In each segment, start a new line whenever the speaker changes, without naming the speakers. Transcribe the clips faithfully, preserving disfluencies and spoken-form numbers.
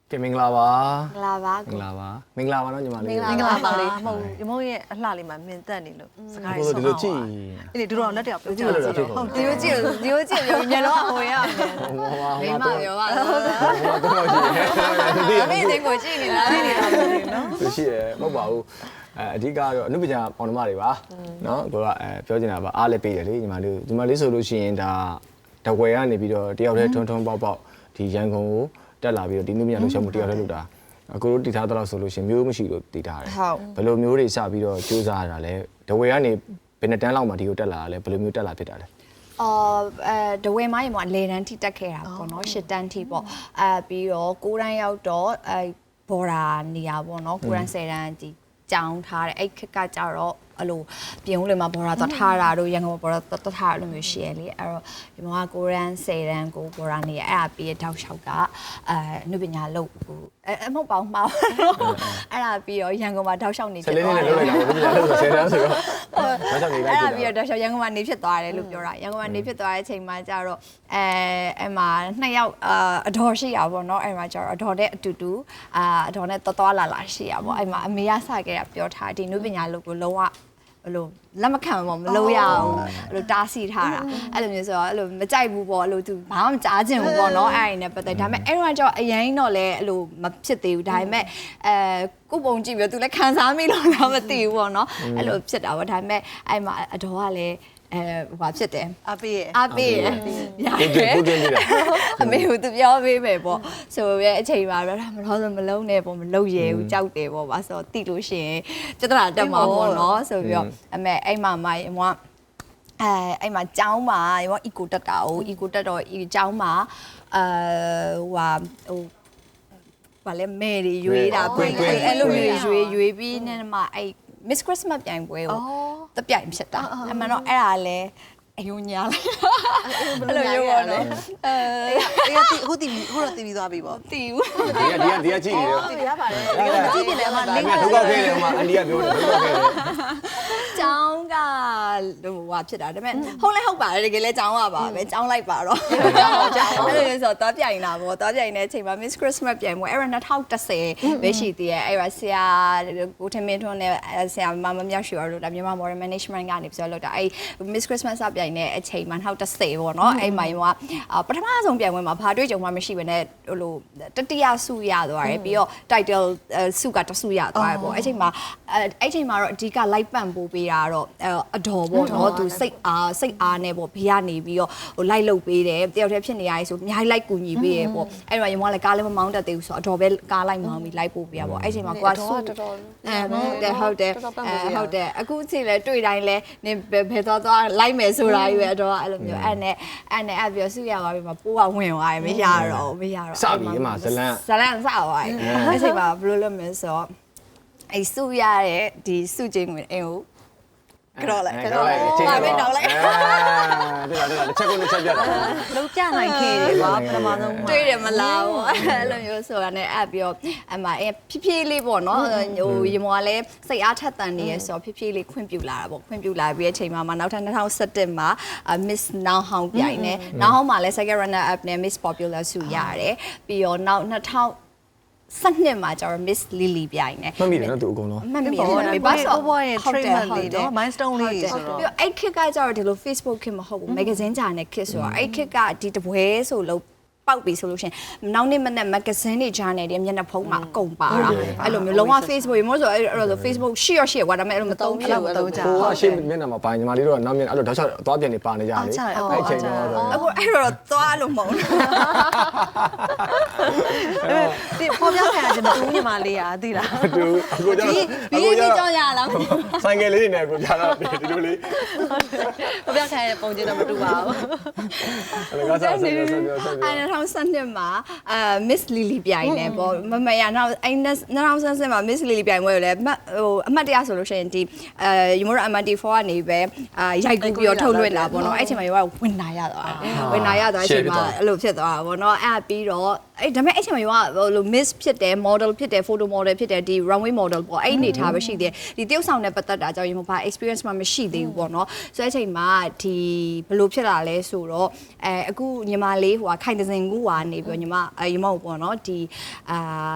ကဲမင်္ဂလာပါ
မင်္ဂလာပါ
မင်္ဂလာပါမင်္ဂလာပါနော်ညီမလေး
မင်္ဂလာပါလေးမဟုတ်ရမုံရဲ့အလှလေးမှာမြင်တက်နေလို့စကားရေးဆောင်းပါအဲ့ဒီတို့တော့လက်တယောက်ပြောကြည့်ဟုတ်ဒီလိုကြည့်လို့ဒီလိုကြည့်ပြောမျက်လုံးကဟိုရမယ်
မိမပြောပါတော့
တော့ရှိတယ်
အမေတင်ကိုကြည့်နေလားနေနေတာနော်
သူရှိတယ်မဟုတ်ပါဘူးအဲအဓိကတော့အနုပညာပေါင်းနှမတွေပါနော်ကိုကအဲပြောချင်တာပါအားလည်းပေးတယ်လေညီမလေးညီမလေးဆိုလို့ရှိရင်ဒါတဝယ်ကနေပြီးတော့တယောက်တည်းထုံထုံပေါက်ပေါက်ဒီရန်ကုန်ကိုတက်လာပြီးတော့ဒီနုပညာလှူရှာမှုတယောက်တည်းလုပ်တာအကိုတို့တည်ထားတော့ဆိုလို့ရှိရင်မျိုးမရှိလို့တည်ထားတယ်ဘယ်လိုမျိုးတွေစပြီးတော့စူးစမ်းရတာလဲတဝယ်ကနေဘယ်နှစ်တန်းလောက်မှဒီကိုတက်လာတာလဲဘယ်လိုမျိုးတက်လာဖြစ်တာလဲ
အော်အဲဒဝဲမိုင်းမှာလေတန်းထိတက်ခဲ့တာပေါ့နော်ရှစ်တန်းထိပေါ့အဲပြီးတော့ကိုးတန်းရောက်တော့အဲဘော်ဒါနေရာပေါ့နော်ကိုးတန်းဆယ်တန်းဒီကြောင်းထားတယ်အဲ့ခက်ကကြတော့အဲ့လိုပြင်ဦးလေမှာဘော်ဒါသွားထားတာတို့ရန်ကုန်ဘော်ဒါသွားထားတာလို့မျိုးရှိရလေအဲ့တော့ဒီမှာကိုးတန်းဆယ်တန်းကိုဘော်ဒါနေရအဲ့ဒါပြီးတောက်လျှောက်ကအဲနုပညာလုပ်ကိုအဲမဟုတ်ပါဘူးမှာအဲ့ဒါပြီးတော့ရန်ကုန်မှာတောက်လျှောက်နေဖြစ်သွားတယ်
ဆယ်လေးနဲ့လုပ်လိုက်တာနုပညာလှူဆယ်တန်းဆိုတော့တောက်လျှောက်နေလိုက်
အဲ့
ဖြစ်
ဒါပြီးတော့တောက်လျှောက်ရန်ကုန်မှာနေဖြစ်သွားတယ်လို့ပြောတာရန်ကုန်မှာနေဖြစ်သွားတဲ့အချိန်မှာကျတော့အဲအဲ့မှာနှစ်ယောက်အတော်ရှိရပါတော့အဲ့မှာကျတော့အတော်တဲ့အတူတူအာအတော်နဲ့တော်တော်လာလာရှိရပါအဲ့မှာအမေရစခဲ့တာပြောထားဒီနုပညာလုပ်ကိုလုံးဝအဲ့လိုလက်မခံပါမလို့ရအောင်အဲ့လိုတားဆီးထားတာအဲ့လိုမျိုးဆိုတော့အဲ့လိုမကြိုက်ဘူးပေါ့အဲ့လိုသူဘာမှမကြားချင်ဘူးပေါ့နော်အဲ့အရင်နဲ့ပတ်သက်ဒါပေမဲ့အဲ့တော့ကျတော့အရင်တော့လည်းအဲ့လိုမဖြစ်သေးဘူးဒါပေမဲ့အဲကိုပုံကြည့်ပြီးတော့သူလည်းခံစားမိလို့တော့မသိဘူးပေါ့နော်အဲ့လိုဖြစ်တာပေါ့ဒါပေမဲ့အဲ့မှာအတော်ကလည်းအဲဟိုဖြစ်တယ်
အပေးရ
အပေးရ
တယ်ကိုတင်ပြတာ
အမေကသူပြောပေးမယ်ပေါ့ဆိုရဲအချိန်မှာတော့မလို့ဆိုမလုံးနဲ့ပေါ့မလုံးရဲဘူးကြောက်တယ်ပေါ့ပါဆိုတော့တိလို့ရှိရင်ကျတရာတက်မှာပေါ့နော်ဆိုပြီးတော့အမေအဲ့မှာမမအဲအဲ့မှာကျောင်းမှာရော eco တက်တာကို eco တက်တော့ဒီကျောင်းမှာအဲဟိုဟိုဘာလဲမဲတွေရွေးတာပွင့်အဲ့လိုမျိုးရွေးရွေးပြီးနေမှာအဲ့ Miss Christmas ပြိုင်ပွဲကိုတပြိုင်ဖြစ်တာအမှန်တော့အဲ့ဒါလဲအယုံညာလိုက်အဲ့လိုမျိုးပေါ့နော်အဲ
အေးကအခုတီဗီအခုတော့တီဗီသွားပြီပေါ့
တီးဘူး
ဒီကဒီကဒီကကြည့်နေတယ်
တီဗီရပါတယ်ကြည့်ပြတယ်အမလင်း
ဒုက္ခခဲတယ်ဟိုမှာအန်ဒီကပြောတယ်ဒုက္ခခဲတယ်
ကျောင်းကဟိုဟာဖြစ်တာဒါပေမဲ့ဟုတ်လဲဟုတ်ပါတယ်တကယ်လဲကျောင်းကပါပဲကျောင်းလိုက်ပါတော့ကျောင်းကျောင်းအဲ့လိုဆိုတော့ပြိုင်တာပေါ့တော့ပြိုင်တဲ့အချိန်မှာ Miss Christmas ပြိုင်ပွဲအဲ့ရ၂၀၁၀ပဲရှိသေးရဲ့အဲ့ရဆရာကိုထမင်းထွန်းနဲ့ဆရာမမမြောက်ရွှေရောလို့ဒါမြန်မာ Modern Management ကနေပြောလို့တာအဲ့ Miss Christmas စပြိုင်တဲ့အချိန်မှာ၂၀၁၀ပေါ့နော်အဲ့မှာရောပထမဆုံးပြိုင်ပွဲမှာဘာတွေ့ကြုံမှမရှိဘဲနဲ့ဟိုလိုတတိယဆုရသွားတယ်ပြီးတော့ title ဆုကတဆုရသွားတယ်ပေါ့အဲ့ချိန်မှာအဲ့ချိန်မှာတော့အဓိက live ပန့်ပိုးပေးတာတော့အတော်ပေါ့နော်သူစိတ်အားစိတ်အားနဲ့ပေါ့ဘေးကနေပြီးတော့ဟို live လုပ်ပေးတယ်တယောက်တည်းဖြစ်နေရဆိုအများကြီး live ကူညီပေးရပေါ့အဲ့တော့ရင်ကလည်းကားလည်းမမောင်းတတ်သေးဘူးဆိုတော့အတော်ပဲကား live မောင်းပြီး live ပို့ပေးရပေါ့အဲ့ချိန်မှာကိုကဆုအဲဟုတ်တယ်ဟုတ်တယ်အဲဟုတ်တယ်အခုအချိန်လဲတွေ့တိုင်းလဲနင်ဘယ်သွားသွား live မယ်ဆိုတာကြီးပဲအတော်အဲ့လိုမျိုးအဲ့နဲ့အဲ့နဲ့အဲ့ပြီးဆုရသွားပြီးမှပိုးကဝင်သွားတယ်မရတော့မရတော့
စပြီအမဇလန်
ဇလန်စသွားတယ်အဲ့ချိန်မှာဘယ်လိုလုပ်မလဲဆိုတော့အဲ့ဆုရတဲ့ဒီဆုချင်းဝင်အင်းကိုကြောက်လိုက်ကြောက်လိုက်ပါပဲတော့လိုက်
အဲ့ဒါဒါတစ်ချက်ကိုတစ်ချက်ပြတာ
လုံးပြနိုင်ခဲ့တယ်ပါပထမဆုံး
တွေ့တယ်မလားပေါ့အဲ့လိုမျိုးဆိုတော့ねအဲ့ပြီးတော့အမအဲဖြည်းဖြည်းလေးပေါ့နော်ဟိုရေမောကလည်းစိတ်အားထက်သန်နေရဆိုတော့ဖြည်းဖြည်းလေးခွင့်ပြုလာတာပေါ့ခွင့်ပြုလာပြီးတဲ့အချိန်မှာနောက်ထပ်၂၀၁၁မှာ Miss Now Hong ပြိုင်နေ Now Hong မှာလည်း second runner up နဲ့ Miss Popular ဆုရတယ်ပြီးတော့နောက်၂၀စနစ်မှာကျတော့ Miss Lily ပြိုင်နေ
မှတ်မိတယ်နော်သူအကုန်လုံး
မှတ်မိတယ်
ဘာဆိုဘွားရဲ့ treatment လေးနော် milestone လေးဆိုတော့
ပြီးတော့အဲ့ခက်ကကျတော့ဒီလို Facebook ခေတ်မဟုတ်ဘူး magazine ဂျာနယ်ခေတ်ဆိုတော့အဲ့ခက်ကဒီတပွဲဆိုလို့ပေါက်ပြီဆိုလို့ရှင်နောက်နေ့မနေ့ magazine တွေ journal တွေမျက်နှာဖုံးမှာအကုန်ပါတာအဲ့လိုမျိုးလုံးဝ Facebook ရေမို့ဆိုအဲ့လို Facebook ရှိရရှိရကွာဒါပေမဲ့အဲ့လိုမသုံးဖြစ်ဘူး
မသုံးကြ
ဟိုကအရှိမျက်နှာမှာပါညီမလေးတို့ကနောက်မျက်နှာအဲ့လိုတော့ချက်သွားပြန်နေပါနေကြတယ်အဲ့ချိန်တော့
အခုအဲ့တော့သွားလို့မဟုတ်ဘူး
ဒီပေါ်ပြခံရခြင်းမတူညီမလေးอ่ะသိလား
တူအခုကျတော့
ဒီဒီကြောင်ရလား
ဆိုင်ကယ်လေးတွေနဲ့အခုကြာတော့ဒီလိုလေး
ပေါ်ပြခံရပုံချင်းတော့မတူပါဘူး
အဲ့ဒါကစားဆက်ဆက်ဆက်ဆက်
အဲ့၂၀၁၂မှာအာ Miss Lily ပြိုင်နေပေါ့မမရနောက်အဲ့၂၀၁၂မှာ Miss Lily ပြိုင်ပွဲကိုလည်းဟိုအမှတ်တရဆိုလို့ရှိရင်ဒီအဲ Yumura M D four ကနေပဲအာရိုက်ကူးပြီးတော့ထုတ်လွှင့်လာပေါ့နော်အဲ့ချိန်မှာရောဝင်လာရသွားတယ်ဝင်လာရသွားအချိန်မှာအဲ့လိုဖြစ်သွားတာပေါ့နော်အဲ့ပြီးတော့အဲ့ဒါပေမဲ့အဲ့ချိန်မှာရောဟိုလို miss ဖြစ်တယ် model ဖြစ်တယ် photo model ဖြစ်တယ်ဒီ runway model ပေါ့အဲ့အနေထားပဲရှိသေးတယ်ဒီတယောက်ဆောင်နဲ့ပတ်သက်တာကြောင့်ရေမဘာ experience မှမရှိသေးဘူးပေါ့နော်ဆိုအဲ့ချိန်မှာဒီဘယ်လိုဖြစ်လာလဲဆိုတော့အဲအခုညီမလေးဟိုခိုင်တစင်ကူကနေပြီးညီမအဲညီမကိုပေါ့နော်ဒီအာ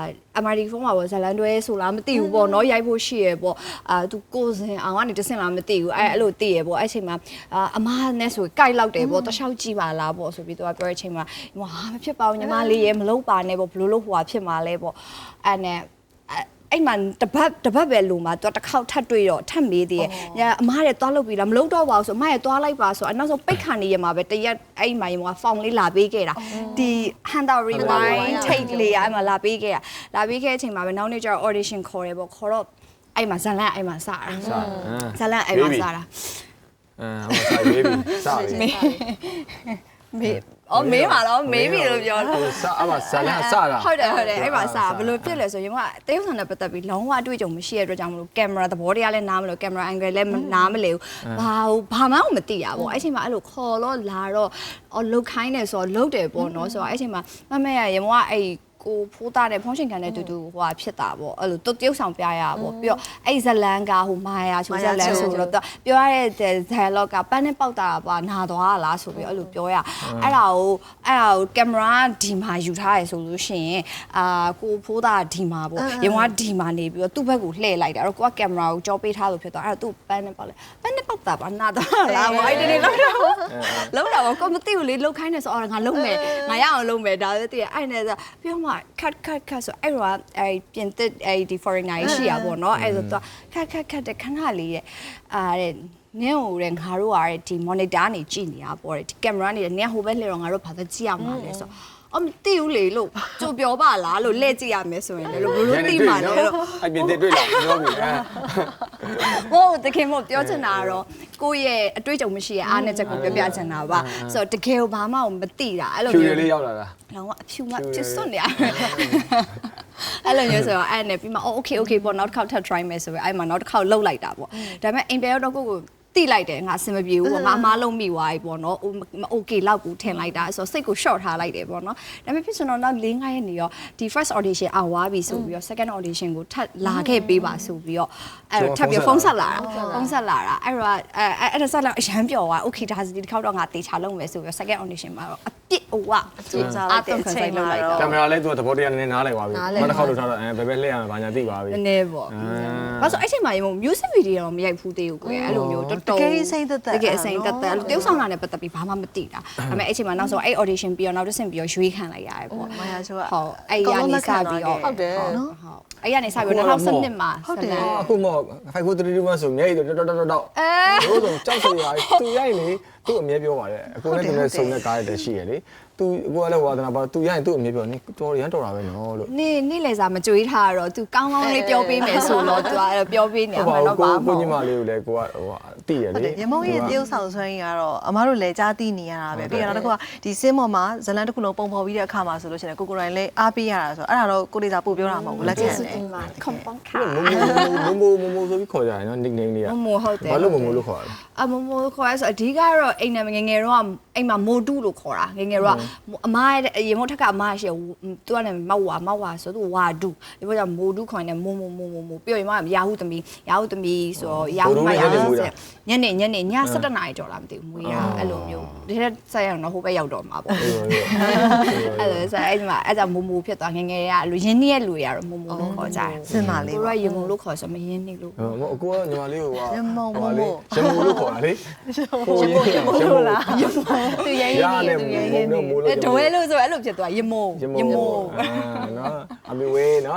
M R D ဖုန်းမှာပေါ့ဇလန်တွဲဆိုလားမသိဘူးပေါ့နော်ရိုက်ဖို့ရှိရပေါ့အာသူကိုစင်အောင်ကနေတစင်လားမသိဘူးအဲအဲ့လိုသိရပေါ့အဲ့ချိန်မှာအာအမနဲ့ဆိုကြိုက်လောက်တယ်ပေါ့တခြားကြည့်ပါလားပေါ့ဆိုပြီးသူကပြောတဲ့အချိန်မှာဟာမဖြစ်ပါဘူးညီမလေးရေမလုပ်ပါနဲ့ပေါ့ဘလို့လို့ဟိုဟာဖြစ်မှာလဲပေါ့အဲ့နဲ့အဲ့မှာတပတ်တပတ်ပဲလုံမှာသူတစ်ခေါက်ထပ်တွေ့တော့ထပ်မေးသေးတယ်အမားရဲ့သွားလုပ်ပြီးလားမလုပ်တော့ပါဘူးဆိုအမရဲ့သွားလိုက်ပါဆိုအနောက်ဆုံးပိတ်ခါနေရမှာပဲတရက်အဲ့မှာရေမှာဖောင်လေးလာပေးခဲ့တာဒီ Hunter Rewind take လေးအဲ့မှာလာပေးခဲ့တာလာပေးခဲ့အချိန်မှာပဲနောက်နေ့ကျတော့ audition ခေါ်တယ်ပေါ့ခေါ်တော့အဲ့မှာဇလန်အဲ့မှာစတာဇလန်အဲ့မှာစတာ
အဲဟိုစာရေးပြီစာပြီ
မေးအော်မေးပါတော့မေးပြီလို့ပြောတာ
စာအမစာလာစာတာ
ဟုတ်တယ်ဟုတ်တယ်အဲ့မှာစာဘယ်လိုဖြစ်လဲဆိုရင်ကတရုတ်ဆောင်နဲ့ပတ်သက်ပြီးလုံးဝအတွေ့အကြုံမရှိတဲ့အတွက်ကြောင့်မလို့ကင်မရာသဘောတရားလည်းနားမလို့ကင်မရာ angle လည်းနားမလဲဘူးဘာဘာမှမသိရပါဘူးအဲ့ချိန်မှာအဲ့လိုခေါ်တော့လာတော့အော်လုတ်ခိုင်းတယ်ဆိုတော့လုတ်တယ်ပေါ့နော်ဆိုတော့အဲ့ချိန်မှာမမရရေမကအဲ့ကိုဖိုးသားတဲ့ဖုန်းရှင်ခံတဲ့တူတူဟိုဟာဖြစ်တာပေါ့အဲ့လိုတရုပ်ဆောင်ပြရတာပေါ့ပြီးတော့အဲ့ဇလန်ကဟိုမာယာချိုဇလန်ဆိုတော့ပြောရတဲ့ dialogue ကပန်းနဲ့ပေါက်တာပါနာသွားလားဆိုပြီးအဲ့လိုပြောရအဲ့ဒါကိုအဲ့ဒါကိုကင်မရာဒီမှာယူထားရဆိုလို့ရှိရင်အာကိုဖိုးသားဒီမှာပေါ့ရေမကဒီမှာနေပြီးတော့သူ့ဘက်ကိုလှည့်လိုက်တာအဲ့တော့ကိုကကင်မရာကိုကြောပေးထားလို့ဖြစ်သွားအဲ့တော့သူ့ပန်းနဲ့ပေါက်လေပန်းနဲ့ပေါက်တာပါနာသွားလားဘာအဲ့ဒီနေလောက်တော့လောက်တော့ကိုမသိဘူးလေလောက်ခိုင်းနေဆိုအော်ငါလုံးမယ်ငါရအောင်လုံးမယ်ဒါလည်းသိရအဲ့နဲ့ဆိုပြောမှ cut cut cut ဆိုအဲ့တော့အဲ့ပြင်သစ်အဲ့ဒီ foreigner ရှိရပါတော့အဲ့ဆိုတော့ cut cut cut တဲ့ခဏလေးရဲ့အာတဲ့နင်းဟိုတဲ့ငါတို့ကဒီ monitor နေကြည့်နေရပေါ့တဲ့ဒီ camera နေနင်းဟိုဘက်လှည့်တော့ငါတို့ဘာသာကြည့်ရမှာလဲဆိုအမသိဘူးလေလို့ကြိုပြောပါလားလို့လှည့်ကြည့်ရမယ်ဆိုရင်လည်းလို့ဘလို့သိမှာလဲလို့
အပြင်သစ်တွေ့လာပြောပြီအဲ
ဟိုတခင်မို့ပြောချင်တာကတော့ကိုယ့်ရဲ့အတွေ့အကြုံမရှိရဲ့အားနဲ့ချက်ကိုပြောပြချင်တာပါဆိုတော့တကယ်ဘာမှမသိတာအဲ့လို
မျိုးဖြူလေးရောက်လာတာ
လောကအဖြူမဖြစ်စွန့်နေရတယ်အဲ့လိုမျိုးဆိုတော့အဲ့နဲ့ပြီးမှအော် okay okay ပေါ့နောက်တစ်ခေါက်ထပ် try မယ်ဆိုပြီးအဲ့မှာနောက်တစ်ခေါက်လှုပ်လိုက်တာပေါ့ဒါပေမဲ့အိမ်ပြန်တော့ကိုကိုတိလိုက်တယ်ငါအဆင်မပြေဘူးပေါ့ငါအမားလုံးမိသွားပြီပေါ့နော်မ okay လောက်ကိုထင်လိုက်တာဆိုတော့စိတ်ကို short ထားလိုက်တယ်ပေါ့နော်ဒါပေမဲ့ဖြစ်စတော့နောက်၄၅ရက်နေရောဒီ first audition အောင်သွားပြီဆိုပြီးတော့ second audition ကိုထပ်လာခဲ့ပေးပါဆိုပြီးတော့အဲ့ထပ်ပြီးဖုန်းဆက်လာတာဖုန်းဆက်လာတာအဲ့တော့အဲ့အဲ့ဒါဆက်လာအရန်ပျော်သွား okay ဒါစီဒီတစ်ခေါက်တော့ငါတေချာလုံးမယ်ဆိုပြီးတော့ second audition မှာတော့အပြစ်ဟိုကအကျဉ်းစားလိုက်တဲ့အချိန်မှာတော့
ကင်မရာလေးသူကသဘောတရားနည်းနည်းနားလည်သွားပြီနောက်တစ်ခေါက်လို့ထားတော့အဲဘယ်ဘက်လှည့်ရမှာဘာညာသိပါပြီ
နည်းနည်းပေါ့ဘာလို့အဲ့ချိန်မှာရေ music video တော့မရိုက်ဘူးသေးဘူးကိုအဲ့လိုမျိုးတော်တော်
တကယ်စိမ့်သက်သက်
တကယ်အစိမ့်သက်သက်တယောက်ဆောင်လာနဲ့ပတ်သက်ပြီးဘာမှမသိတာဒါပေမဲ့အဲ့ချိန်မှာနောက်ဆုံးအဲ့ audition ပြီးတော့နောက်တစ်ဆင့်ပြီးတော့ရွေးခံလိုက်ရတယ်ပေါ့
မာယာချိုက
ဟုတ်အဲ့ရနေစပြီးတော့
ဟုတ်တယ်
နော်ဟုတ်အဲ့ရနေစပြီးတော့၂၀၁၂မှာ
ဟုတ်တယ်
အခုမှfive four three two oneဆိုမျက်ရည်တော့တော်တော်တော်အဲဘိုးဆုံးကြောက်စရာသူရိုက်နေသူ့အမြဲပြောပါတယ်အခုလည်းသူနဲ့စုံတဲ့ကားတွေရှိရလေသူကိုကလည်းဝါသနာပါသူရိုက်သူ့အမြဲပြောနေတော်ရမ်းတော်တာပဲနော်လို့
နေနေလေစာမကြွေးထားတော့ तू ကောင်းကောင်းလေးပြောပေးမယ်ဆိုတော့ तू အဲ့ပြောပေးနေမှာတော့ပါ
ကိုညီမလေးကိုလည်းကိုကဟိုတိရလေ
ရမုံရဲ့တရုပ်ဆောင်ဆွမ်းကြီးကတော့အမားတို့လည်းကြားသိနေရတာပဲပြီးတော့တစ်ခုကဒီစင်းမော်မှာဇလန်တစ်ခုလုံးပုံဖော်ပြီးတဲ့အခါမှာဆိုလို့ရှိရင်ကိုကိုရိုင်းလည်းအားပေးရတာဆိုအဲ့ဒါတော့ကိုလေးစာပို့ပြောတာမဟုတ်ဘူးလက်ခံတယ်
ခွန်ပေါင်းခါ
မမိုမမိုဆိုပြီးခေါ်ကြတယ်နော် nickname လေးက
မမိုဟုတ်တယ်
ဘာလို့မမိုလို့ခေါ်ရလဲ
အမမိုခေါ်ရဆိုအဓိကတော့အိမ်နဲ့ငငယ်တော့အိမ်မှာမိုတူလို့ခေါ်တာငငယ်တော့အမားရဲ့ရေမုတ်ထက်ကအမားရှိသူကလည်းမောက်ဝါမောက်ဝါဆိုသူဝါဒူဒီပေါ်ကမိုတူခေါ်နေမိုမိုမိုမိုမိုပြီးတော့ရဟုသမီးရဟုသမီးဆိုတော့ရဟုမရညနေညနေည၁၇နာရီကျော်လာမသိဘူးမွေးတာအဲ့လိုမျိုးဒီထက်ဆက်ရအောင်တော့ဟိုဘက်ရောက်တော့မှာပေါ့အဲ့လိုဆိုအဲ့ဒီမှာအဲ့ကြောင့်မိုမိုဖြစ်သွားငငယ်ကလူရင်းနှီးရဲ့လူရတော့မိုမိုလို့ခေါ်ကြတယ်
စင်ပါလေး
ကိုကရေမုံလို့ခေါ်ဆိုမရင်းနှီးလို့
ဟိုအကိုကညီမလေးကိုက
ရမုံမိုမို
ရမုံလို့ခေါ်တာလေ
ကိုရင်းရမုံလို့လားရမုံသူရင်းရင်းသူရင်းရင်း
အဲ့ဒွဲလို့ဆိုအဲ့လိုဖြစ်သွားရေမုံ
ရေမုံနော်အမေဝေးနော်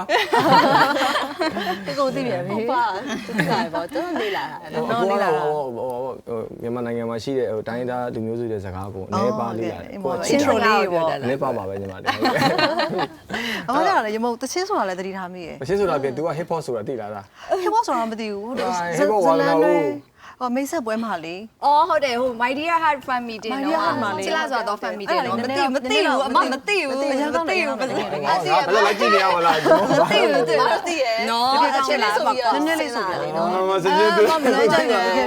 ကိုသိပြန်ပြီ
ဟုတ်ပါတူလာပေါ့တော်လေးလာတာ
နော်လေးလာဟိုမြန်မာနိုင်ငံမှာရှိတဲ့ဟိုတိုင်းသားလူမျိုးစုတွေစကားကိုအနေပါလေးရတယ်
ကိုချင်းတော်လေးပေါ့
အနေပါပါပဲညီမလေး
အမကလည်းရမုံတချင်းဆိုတာလည်းသတိထားမိရဲ့
တချင်းဆိုတာပြင် तू က hip hop ဆိုတာသိလားလား
hip hop ဆိုတာမသိဘူး
hip hop ဝါလာဦး
ဟောမိတ်ဆက်ပွဲမှာလေ
အော်ဟုတ်တယ်ဟို My Dear Heart Fan Meeting နော်ချစ်လာဆိုတော့ Fan Meeting နော်မသိဘူးမသိဘူးအမမသိဘူးမသိဘူးမသိဘူး
ဘယ်လိုလိုက်ကြည့်နေရမလား
မသိဘူးမသိရနော်
ချစ်လာဆိုပြီးနည်းနည်းလေးဆိုပြလေနော်
မစကြည့်ဘူး
မမလို့ကြိုက်တယ်တကယ်ပြောတာတက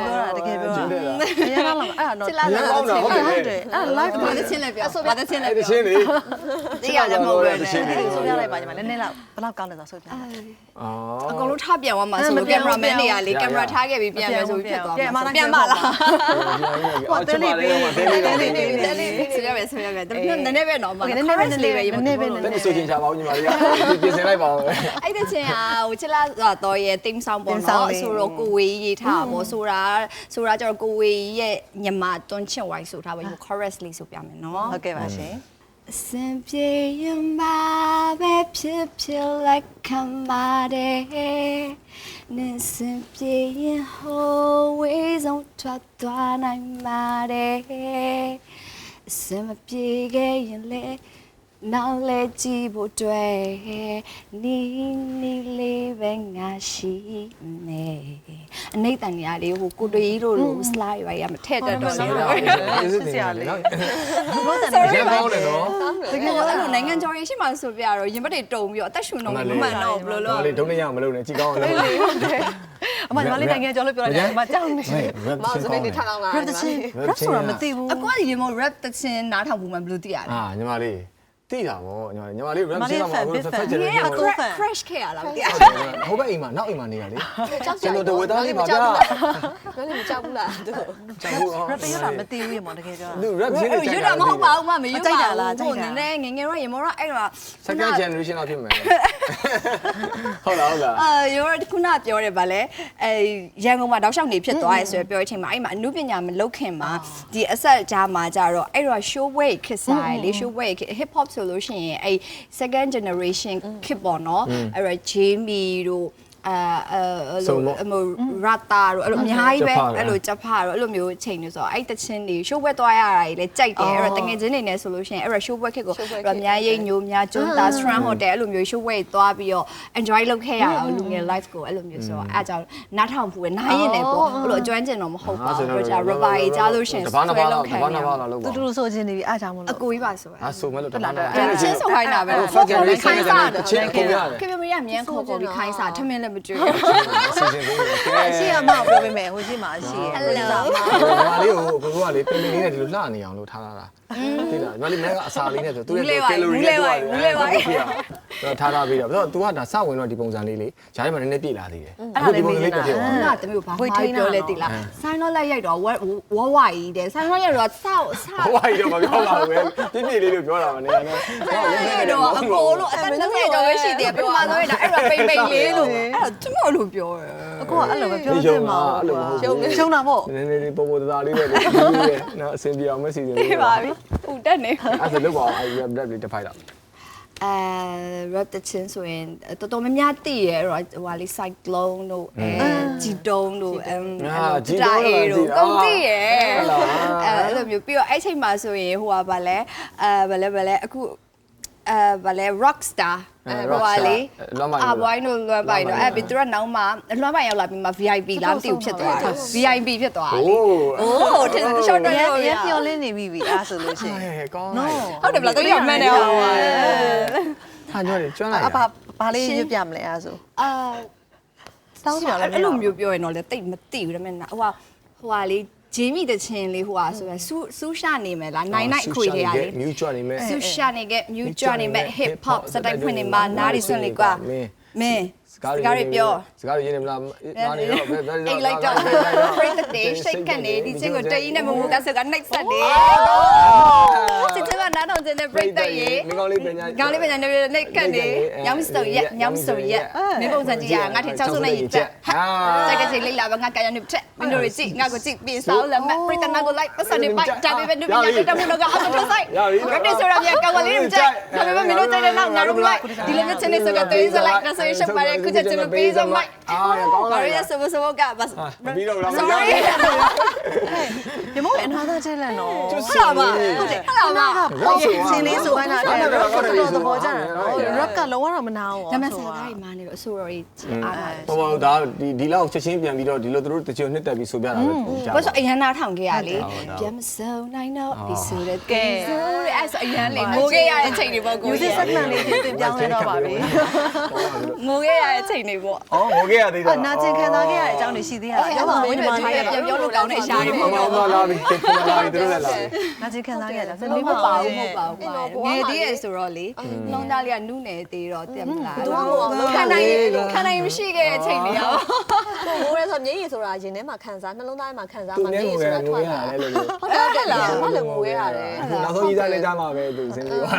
ကယ်ပြောတာရရလောက်အဲ့ဒါတော့
ချစ်လာတော့
ဟုတ်တယ်ဟုတ်တယ်
အဲ့ဒါ live
ဘာသချင်းလဲပြောဘာသချင်းလဲ
အဲ့တ
ပြော
ချင်းလေ
သိရတယ်မဟုတ်ဘူးလေ
ဆိုပြလိုက်ပါညီမနည်းနည်းလောက်ဘယ်လောက်ကောင်းလဲဆိုဆိုပြ
အော်
အကုန်လုံးထားပြန်သွားမှာဆိုလို့ကင်မရာမန်တွေကလေကင်မရာထားခဲ့ပြီးပြန်မယ်ဆိုပြီးဖြစ်သွားမှာပြန်ပါလား
ဟိုတယ်လေးပေးတယ်လေးလေး
တယ်လေးဆိုရမယ်ဆိုရမယ်ဒါပေမဲ့နည်းနည်းပဲတော့မှာနည်းနည်းပဲနည်းနည်းပဲနည်းနည်းပဲနည်းနည်း
တဲ့ဆိုချင်းချပါဦးညီမလေးပြင်ဆင်လိုက်ပါဦး
အဲ့တဲ့ချင်းอ่ะဟိုချစ်လာတော့ရဲ့တင်းဆောင်ပေါ့နော်ဆိုတော့ကိုဝေးရေးထားပေါ့ဆိုတာဆိုတာကျတော့ကိုဝေးရဲ့ညီမတွန်းချင်ဝိုင်းဆိုထားပါ chorus လေးဆိုပြမယ်နော်
ဟုတ်ကဲ့ပါရှင်
အစင်ပြေရင်ပါပဲဖြစ်ဖြစ်လက်ခံပါတယ်နေစင်ပြေရင်ဟိုဝေးဆုံးထွက်သွားနိုင်ပါတယ်အစင်မပြေခဲ့ရင်လေနောက်လေကြည့်ဖို့တွေ့နီနီလေးပဲငါရှိမယ်အနိတန်ညာလေးဟိုကိုတွေးတို့လို slide ပါရမထည့်တတ်တော့ဘူး
စစ်စရာလေနော်
ဘုတ်တန်
ရန်ကောင်းတယ်နော်
တကယ်အဲ့လိုနိုင်ငံကျော်ရေးရှိမှဆိုပြတော့ရင်ဘတ်တွေတုံပြီးတော့အသက်ရှူနေမှမမှန်တော့ဘယ်လိုလုပ်
လေဒုံးနေရမလို့နဲ့ကြည်ကောင်းအောင်လုပ်
ဟုတ်တယ်အမညီမလေးနိုင်ငံကျော်လို့ပြောရတယ်အမကြောက်နေ
မောင်စပင်းနေထားအောင်လား
rap တချင်း rap ဆိုတာမသိဘူး
အကွာဒီရေမော rap တချင်းနားထောင်ဘူးမှဘယ်လိုသိရလဲ
အာညီမလေးတိတာဗောညီမလေးညီမလေး rap ရှင်းတော့မှာဖက်ချင်တယ်
ဒီက crash ခဲ့ရလားမသိဘူး
ဟိုဘက်အိမ်မှာနောက်အိမ်မှာနေရလေကျွန်တော်တဝေသားလေးပါဗျာ
ဘယ်လိုမကြောက်ဘူးလားသူ
ကျွန်တော်
rap ရတာမသိဘူးရေမောင်တကယ်ပြောတာ
လူ rap ရှင်းနေကြ
ရွတ်တာမဟုတ်ပါဘူးမမရွတ်ပါဘူးနည်းနည်းငငယ်တော့ရေမောတော့အဲ့တော့
second generation တော့ဖြစ်မယ်ဟုတ်လားဟုတ်လား
အာရောခုနပြောတယ်ဗာလဲအဲရန်ကုန်မှာတောက်လျှောက်နေဖြစ်သွားရဲဆိုပြောတဲ့အချိန်မှာအဲ့မှာအမှုပညာမလုပ်ခင်မှာဒီအဆက်ကြားမှာကြတော့အဲ့တော့ show way ခစ်စားလေ show way hip hop ဆိုလို့ရှိရင်အဲ့ second generation ခစ်ပေါ့နော်အဲ့တော့ Jamie တို့အာအဲ့လိုအမရတာတို့အဲ့လိုအများကြီးပဲအဲ့လိုကြက်ဖာတို့အဲ့လိုမျိုးချိန်နေဆိုတော့အဲ့တချင်းတွေ show ဝက်သွားရတာကြီးလဲကြိုက်တယ်အဲ့တော့တငယ်ချင်းတွေနဲ့ဆိုလို့ရှိရင်အဲ့တော့ show ဝက်ခစ်ကိုအဲ့တော့အများရိတ်ညိုများကျွန်းသား strand hotel အဲ့လိုမျိုး show ဝက်သွားပြီးတော့ enjoy လုပ်ခဲ့ရတာလူငယ် life ကိုအဲ့လိုမျိုးဆိုတော့အဲ့အကြောင်းနားထောင်ဖို့ပဲနားရင်လည်းပေါ့အဲ့လိုအကျွမ်းကျင်တော့မဟုတ်ပါဘူးကြာ rubber ကြီးကြားလို့ရှိရင်
တဘာနာဘာလောက်တဘာနာဘာလောက်လောက်
တူ
ပါ
တူဆိုချင်းနေပြီအားကြောင့်မ
အ
လို့
ကိုကြီးပါဆို
အာဆိုမဲ့လို့တဘာနာ
အဲ့ချင်းဆိုခိုင်းတာပဲ
second generation ကချင်းကိုရတယ်
ခင်ဗျမရအမြင်ခေါ်ပေါ်ပြီးခိုင်းစားထမင်းလည်းမကြွေး
စီစဉ်ပေးတယ်ကဲ
အရှိအမပြောပေးမယ်ဟိုရှိမှာအရှိရဲ့
Hello
ညီမလေးကိုကိုကလေပင်ပင်လေးနဲ့ဒီလိုလှနေအောင်လို့ထားတာသိလားညီမလေးမကအစာလေးနဲ့ဆိုသူရဲ့ကယ်လိုရီနဲ့တော့ထားထားပြီးတော့ဆိုတော့ तू ကဒါစဝင်တော့ဒီပုံစံလေးလေဂျားထဲမှာနည်းနည်းပြည့်လာသေးတယ်အခုဒီပုံစံလေးပြည့်သွား
ငါတမျိုးဘာမှပြောလဲတိလားဆိုင်းတော့လက်ရိုက်တော့ဝဝဝကြီးတဲ့ဆိုင်းတော့ရိုက်တော့ဆောက်ဆောက်
ဟိုဘာကြီးတော့မပြောပါဘူးပြည့်ပြည့်လေးလို့ပြောတာမနေနဲ့
အဲ့တော့အကိုလို့အသက်နှစ်ဆယ်ကျော်ပဲရှိသေးတယ်ပထမဆုံးရတာအဲ့တော့ပိန်ပိန်လေးလို့အဲ့တော့သူမလို့ပြောတယ်
အကိုကအဲ့လိုပဲပြောနေမှာရှုံရှုံတာပေါ့
နည်းနည်းလေးပေါ်ပေါ်သားလေးပဲလေနော်အဆင်ပြေအောင်မစီစဉ်
ပြေးပါပြီဟိုတက်နေ
အဲ့ဒါလောက်ပါအဲ့ rap rap လေးတစ်ဖိုက်တော့
အဲ rap တချင်းဆိုရင်တော်တော်များများသိရဲအဲ့တော့ဟိုဟာလေး cyclone တို့အဲဂျီတုံးတို့အဲဂျီတုံးတို့ကုန်သိရဲအဲ့လိုမျိုးပြီးတော့အဲ့ချိန်မှာဆိုရင်ဟိုဟာဗာလဲအဲဗာလဲဗာလဲအခုအဲဗာလဲ rock star ဟိုဟာလေးအဘိုင်းတို့လွမ်းပိုင်တော့အဲ့ပြီးသူကနောက်မှလွမ်းပိုင်ရောက်လာပြီးမှ V I P လားမသိဘူးဖြစ်သွားတယ် V I P ဖြစ်သွားတယ်လေအိုးတင် short တော့
ရ
ရော
ရပြောလင်းနေပြီပြီအားဆိုလို့ရှိရင်
ကောင်း
ဟုတ်တယ်ဗလားတကယ်မှန်တယ်ဟုတ်ပါ
ဟာကြွတယ်ကျွမ်းလိုက်
အပါဘာလေးရွတ်ပြမလဲအားဆို
အာ
တောင်းကြလား
အဲ့လိုမျိုးပြောရင်တော့လေတိတ်မသိဘူးဒါပေမဲ့ဟိုဟာဟိုဟာလေးဂျေမီတချင်းလေးဟိုဟာဆိုရင်စူးစူးရှာနေမယ်လားနိုင်နိုင်ခွေတွေရလေ
မြူကျွမ်းနေမယ်
စူးရှာနေကမြူကြွနေမဲ့ hip hop စတိုက်ဖွင့်နေမှာနားရီဆွင့်လေကွာမင်းစကားတွေပြော
စကားတွေရင်းနေမလားနားနေတော့ဘယ်ဘယ်
အိတ်လိုက်တော့ break the day shake ကနေဒီချင်းကိုတရင်နဲ့မမူကဆက်က next set နေစစ်ချင်ကနားထောင်ခြင်းနဲ့ break တဲ့ရေ
မင်းကောင်းလေးပညာ
ကောင်းလေးပညာနဲ့ next ကနေညောင်းစုံရက်ညောင်းစုံရက်မင်းပုံစံကြည့်ရငါထင်ချောက်စုံနဲ့ရည်ချက်ဟာစိတ်ကချိန်လေးလာပါငါကာယနုထက်မင်းတို့ကြည့်ငါကိုကြည့်ပြီးဆောင်းလက်မဲ့ break the night ကို like ပတ်စံနေပိုက်ဒါပေမဲ့နုပညာတက်မှုတော့ကအတူတူဆိုင် rap ဆိုရပြန်ကောင်းကလေးတွေကြိုက်ဒါပေမဲ့မင်းတို့ကြိုက်တဲ့နောက်ငါတို့ like ဒီလိုမျိုးချင်းနေဆိုတော့တေးစလိုက်ဒါဆိုရင်ရှက်ပါတယ်ခုချက်ချင်းမပေးစမိုက်
အာကောင်း
ဘာ
လိုက်
ရစမစမကဘတ်
ပြီးတော့လား
sorry
ဒီမို့ another challenge နော်
ဟုတ်လားမဟုတ်တယ်ဟုတ်လားမ
ဟုတ်ရဲ့စင်းလေးဆိုခိုင်းတာတဲ့ rap ကတော့သဘောကျတယ်နော် rap ကလုံးဝတော့မနာဘူး
ဒါမဲ့ဆရာကြီးမာနေတော့အဆိုတော်ကြီးအားလာတယ်
ဟိုပါဒါဒီဒီလောက်ချက်ချင်းပြန်ပြီးတော့ဒီလိုသူတို့တချို့နှစ်တက်ပြီးဆိုပြတာပဲကြား
ဘာလို့အရန်နာထောင်ခဲ့ရလေပြန်မစုံနိုင်တော့ဒီဆိုတဲ့ကဲဆိုရဲအဲ့ဆိုအရန်လေငိုခဲ့ရတဲ့ချိန်တွေပေါ့ကို
music segment လေးတင်ပြောင်းလဲတော့ပါပြီ
ငိုခဲ့ရတဲ့ချိန်တွေပေါ့
အော်ဟိုကခဲ့ရသေးတယ်
နာကျင်ခံစားခဲ့ရတဲ့အကြောင်းတွေရှိသေးရလားပြောပါဦးညီမလေး
ပြန်ပြောလို့ကောင်းတဲ့ရှာတွေ
မမမလာပြီပြန်လာပြီတို့လည်းလာပြီ
နာကျင်ခံစားခဲ့ရတာ
မဟုတ်ပါဘူးမဟုတ်ပါဘူးငယ်သေးရဲ့ဆိုတော့လေလုံးသားလေးကနုနယ်သေးတော့တင်မလားခံနိုင်ခံနိုင်မရှိခဲ့တဲ့အချိန်တွေရော
ကိုမိုးရဲဆိုမျက်ရည်ဆိုတာရင်ထဲမှာခံစားနှလုံးသားထဲမှာခံစား
သူ
မှ
နဲ့
မျက်ရည်
ငွေ
ဆိုတာ
ငွေ
ထွက်
ရ
လာ
တယ်လို့လို့
ဟုတ်တယ်လားဘာလို့ငိုရဲရတယ်
နောက်ဆုံးကြီးစားနေကြမှာပဲသူစင်းပြီးသွား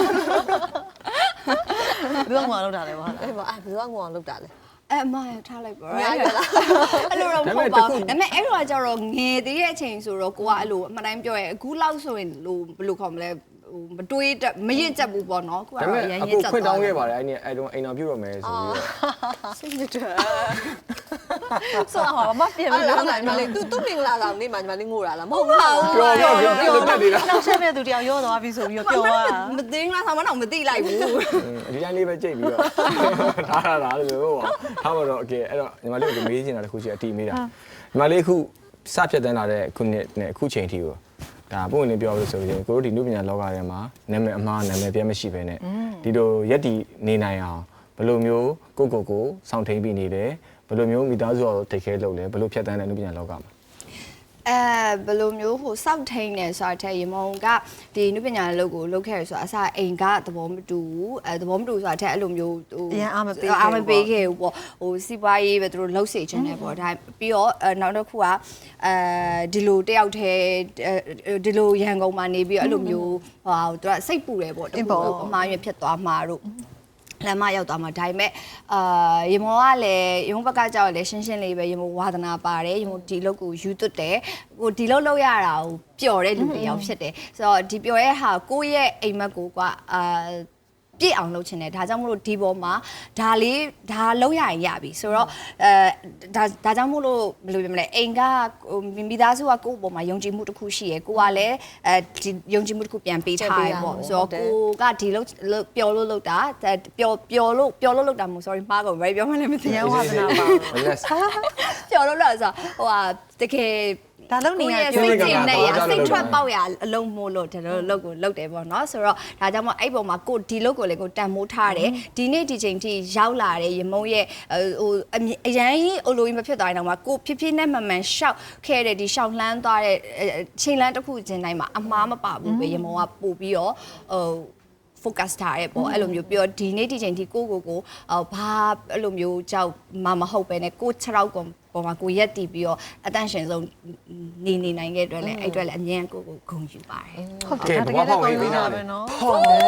ဘယ်တော့မှလုပ်တာလဲဘာလဲ
အဲ့ဘာအဲ့ဘယ်တော့ငိုအောင်လုပ်တာလဲ
အဲ့အမရထားလိုက်ပါ
ညာရလား
အဲ့လိုတော့မဟုတ်ပါဘူးဒါပေမဲ့အဲ့လိုကကြတော့ငယ်သေးတဲ့အချိန်ဆိုတော့ကိုကအဲ့လိုအမှန်တိုင်းပြောရဲအခုလောက်ဆိုရင်လို့ဘယ်လိုခေါ်မလဲဟိုမတွေးမရင့်ကျက်ဘူးပေါ့နော်ကိုကတော့ရန်ရင့်ကျက်
ခွင့်တောင်းခဲ့ပါတယ်အဲ့ဒီအဲ့တော့အိမ်တော်ပြုတ်ရမယ်ဆိုပြီးတော့
စိတ်ညစ်တယ်
ဆိုတော့မပြင်
အဲ့
ဘူး
လား
လား
ညီမလေး तू သူ့မင်္ဂလာဆောင်နေ့မှာညီမလေးငိုတာလားမဟုတ်ပါဘူး
ပြောပြောပြောပြောတက်နေတာ
နောက်ဆက်တဲ့သူတယောက်ရောသွားပြီဆိုပြီးတော့ပြောသွား
မသိငါဆောင်မတော့မသိလိုက်ဘူး
ဒီတိုင်းလေးပဲကြိတ်ပြီးတော့ထားရတာလို့ပြောပါထားပါတော့โอเคအဲ့တော့ညီမလေးကိုမေးချင်တာတစ်ခုရှိအတီးမေးတာညီမလေးအခုစဖြတ်တန်းလာတဲ့ခုနှစ်နဲ့အခုချိန်ထိကိုဒါပုံဝင်ပြောလို့ဆိုရင်ကိုတို့ဒီနုပညာလောကထဲမှာနာမည်အမှားနာမည်ပြတ်မရှိပဲနဲ့ဒီလိုရက်တီနေနိုင်အောင်ဘယ်လိုမျိုးကိုကိုကိုစောင့်ထိန်ပြီးနေတယ်ဘယ်လိုမျိုးမိသားစုကိုထိတ်ခဲလုပ်လဲဘယ်လိုဖြတ်တန်းတဲ့နုပညာလောကမှာ
အဲဘယ်လိုမျိုးဟိုစောက်ထိန်နေဆိုတဲ့ရေမုံကဒီနုပညာလုပ်ကိုလုပ်ခဲ့ရဆိုအစအိမ်ကသဘောမတူဘူးအဲသဘောမတူဆိုတာတဲ့အဲ့လိုမျိုးဟိုအားမပေးခဲ့ဘူးပေါ့ဟိုစီးပွားရေးပဲသူတို့လှုပ်စေချင်တယ်ပေါ့ဒါပြီးတော့နောက်တစ်ခုကအဲဒီလိုတယောက်တည်းဒီလိုရန်ကုန်မှာနေပြီးအဲ့လိုမျိုးဟိုသူကစိတ်ပူတယ်ပေါ့တခုအမှားရဖြစ်သွားမှာတို့လမ်းမရောက်သွားမှာဒါပေမဲ့အာရေမောကလည်းရေမောဘက်ကကြောက်လည်းရှင်းရှင်းလေးပဲရေမောဝါသနာပါတယ်ရေမောဒီလောက်ကိုယူသွတ်တယ်ဟိုဒီလောက်လောက်ရတာကိုပျော်တဲ့လူတွေရောက်ဖြစ်တယ်ဆိုတော့ဒီပျော်ရဲ့ဟာကိုယ့်ရဲ့အိမ်မက်ကိုကအာပြည့်အောင်လုပ်ချင်တယ်ဒါကြောင့်မို့လို့ဒီပေါ်မှာဒါလေးဒါလုံးရရင်ရပြီဆိုတော့အဲဒါဒါကြောင့်မို့လို့ဘယ်လိုပြောမလဲအိမ်ကမိသားစုကကိုယ့်ပေါ်မှာယုံကြည်မှုတစ်ခုရှိရယ်ကိုကလည်းအဲဒီယုံကြည်မှုတစ်ခုပြန်ပေးထားရပေါ့ဆိုတော့ကိုကဒီလောက်ပျော်လို့လုပ်တာပျော်ပျော်လို့ပျော်လို့လုပ်တာမဟုတ် sorry မှားကုန်ဘယ်ပြောမှလည်းမသိ
ရန်ဝါသနာပါ
ပျော်လို့လို့ဆိုဟိုဟာတကယ်ဒါလုံနေရစိတ်ကျင်နေရစိတ်ထွက်ပေါက်ရအလုံးမို့လို့ဒီလိုလုပ်ကိုလုပ်တယ်ပေါ့နော်ဆိုတော့ဒါကြောင့်မို့အဲ့ပုံမှာကိုဒီလုပ်ကိုလည်းကိုတန်မိုးထားတယ်ဒီနေ့ဒီချိန်ထိရောက်လာတဲ့ရမုံရဲ့ဟိုအရန်ကြီးအလိုကြီးမဖြစ်သွားရင်တော့မှကိုဖြည်းဖြည်းနဲ့မှန်မှန်ရှောက်ခဲ့တဲ့ဒီရှောက်လှမ်းသွားတဲ့ချိန်လန်းတစ်ခုချင်းတိုင်းမှာအမားမပါဘူးပဲရမုံကပို့ပြီးတော့ဟိုfocus ထားရဲပေါ့အဲ့လိုမျိုးပြီးတော့ဒီနေ့ဒီချိန်ထိကိုကိုကိုဘာအဲ့လိုမျိုးကြောက်မမဟုတ်ပဲねကိုခြေထောက်ကောင်ပေါ်မှာကိုရက်တီးပြီးတော့အတန့်ရှင်ဆုံးနေနေနိုင်ခဲ့အတွက်လည်းအဲ့အတွက်လည်းအမြဲကိုကိုဂုဏ်ယူပါတယ်
ဟုတ်တယ်တကယ်လည်းပေးတာပဲเนาะ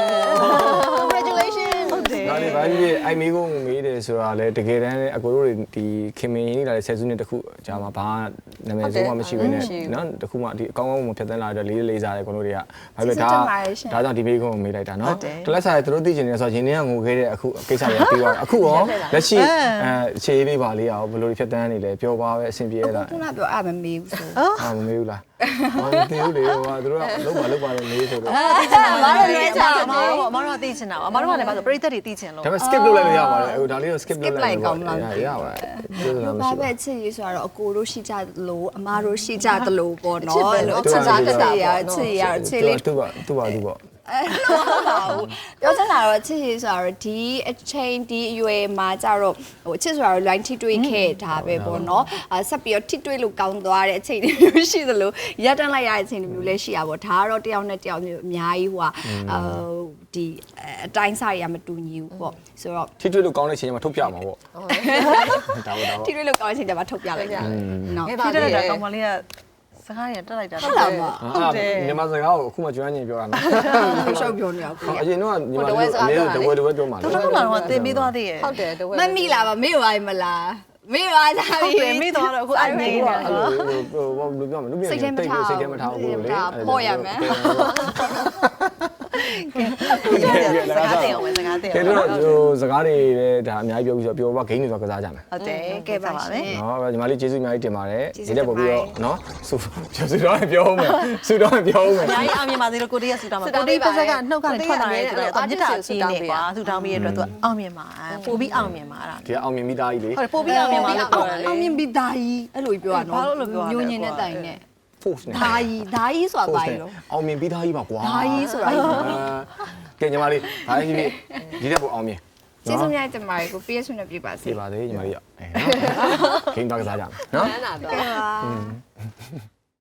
congratulations
ဟုတ်တယ်
ဒါလေးဘာကြီးအိုင်မီကိုမေးတယ်ဆိုတာလေတကယ်တမ်းအကိုတို့တွေဒီခင်မင်းရင်းလာတဲ့ဆယ်စုနှစ်တခုကြာမှာဘာနာမည်ဆုံးမှမရှိဘဲနဲ့နော်တခုမှဒီအကောင်းကောင်းမဖြတ်သန်းလာတဲ့လေးလေးစားတဲ့ကိုတို့တွေကဘာဖြစ်လဲဒါဒါကြောင့်ဒီမေးခွန်းကိုမေးလိုက်တာနော်တလက်စားတွေတို့သိချင်တယ်ဆိုတော့ရင်းနှီးကငိုခဲ့တဲ့အခုကိစ္စတွေပြီးသွားတယ်အခုရောလက်ရှိအဲအခြေအေးလေးပါလေးအောင်ဘယ်လိုဖြတ်သန်းနေလဲပြောပါပဲအဆင်ပြေရလား
ခုနပြောအဲ့မမေးဘူးဆို
အာမမေးဘူးလားမမေးဘူးလေဟိုကတို့ကလုံးပါလုံးပါလို့မေးဆိုတော့
အမားတို့လည်းချာအမားတို့အမားတို့သိချင်တာအမားတို့ကလည်းပါဆိုပရိသတ်တွေသိချင်လို့
ဒါပေမဲ့ skip လုပ်လိုက်လို့ရပါတယ်ဟိုဒါလေးကို skip လုပ်လိုက်လို့ရပါတယ်ပြောစရာမရှိ
ဘာ
ဘူး
ပဲချစ်ရေးဆိုတော့အကိုတို့ရှိကြသလိုအမားတို့ရှိကြသလိုပေါ့နော်
ချစ်စားတတ်တာ
ရ
ပေါ့
ချစ်ရချစ်
သူ
လေး
ကသူကသူကသူပေါ့
အဲ့လိုမဟုတ်ဘူးပြောချင်တာတော့ချစ်ရေးဆိုတော့ဒီအချိန်ဒီအရွယ်မှာကြတော့ဟိုချစ်ဆိုတော့ line ထိတွေ့ခဲ့တာပဲပေါ့နော်အဲဆက်ပြီးတော့ထိတွေ့လို့ကောင်းသွားတဲ့အချိန်တွေမျိုးရှိသလိုရပ်တန့်လိုက်ရတဲ့အချိန်တွေမျိုးလည်းရှိရပါတော့ဒါကတော့တယောက်နဲ့တယောက်မျိုးအများကြီးဟိုဟာဒီအတိုင်းစားရမတူညီဘူးပေါ့ဆိုတော့
ထိတွေ့လို့ကောင်းတဲ့အချိန်မှာထုတ်ပြမှာပေါ့ဒါပေါ့ဒါပေါ့
ထိတွေ့လို့ကောင်းတဲ့အချိန်တွေမှာထုတ်ပြလိုက်ကြနော်
ဖြစ်တဲ့တာကောင်မလေးကစကားရတက်လိုက်တာ
ဟုတ်လားမ
ဟုတ်တယ်မြန်မာစကားကိုအခုမှကျွမ်းကျင်ပြောရမှာ
ရှောက်ပြောနေအောင်ကို
အရင်တော့ညီမတို့အနည်းတဝဲတဝဲပြောမှာ
တော်တော်လာတော့တင်ပေးသွားသေးရဲ့
ဟုတ်တယ်တဝဲ
မမိလာပါမေ့ပါမလားမေ့ပါကြပြီ
တင်ပေးသွားတော့အခုအဲ့နေနေ
အဲ့လိုဟိုဘာလို့ပြောမလဲလူပြန်တိတ်စိတ်ထဲမှာထားဖို့လေ
ပေါ်ရမယ်
စကားတင်အောင်ပဲစကားတင်
ကဲ
အောင်
တော့ဟိုစကားတွေလည်းဒါအများကြီးပြောပြီးဆိုပြောပါဂိမ်းတွေဆိုကစားကြမယ်
ဟုတ်တယ်ကဲပါပါပဲ
နော်ညီမလေးကျေးဇူးအများကြီးတင်ပါတယ်ဒီတက်ပို့ပြီးတော့နော်ဆူပြောစတော့ပြောအောင်မယ်ဆူတော့ပြောအောင်မယ်
အများကြီးအောင်မြင်ပါသေးလို့ကိုတေးရဆူတောင်းမှာကိုတေးပတ်ဆက်ကနှုတ်ကနေထွက်လာတဲ့ဆိုတော့မြစ်တာကြီးနေကွာဆူတောင်းပြီးရတဲ့အတွက်သူအောင်မြင်ပါပို့ပြီးအောင်မြင်ပါအဲ့ဒါ
ဒီကအောင်မြင်မိသားကြီးလေ
ဟုတ်တယ်ပို့ပြီးအောင်မြင်ပါလို့ပြောတယ်လေ
အောင်မြင်ပြီးဒါကြီးအဲ့လိုပြောရနော်ညိုညင်တဲ့တိုင်နဲ့
force နဲ့
ဒါကြီးဒါကြီးဆိုတာပါရော
အောင်မြင်ပြီးသားကြီးပါကွာ
ဒါကြီးဆိုတာ
ကဲညီမလေးဒါကြီးဒီတက်ပို့အောင်မြင်
ကျေးဇူးများတင်ပါတယ်ကို P S နဲ့ပြပါစေ
ပြပါသေးညီမလေးရအဲနော်ခိန်းတော့ကစားကြမယ်နော်
နန်းနာတော့
ကဲပါ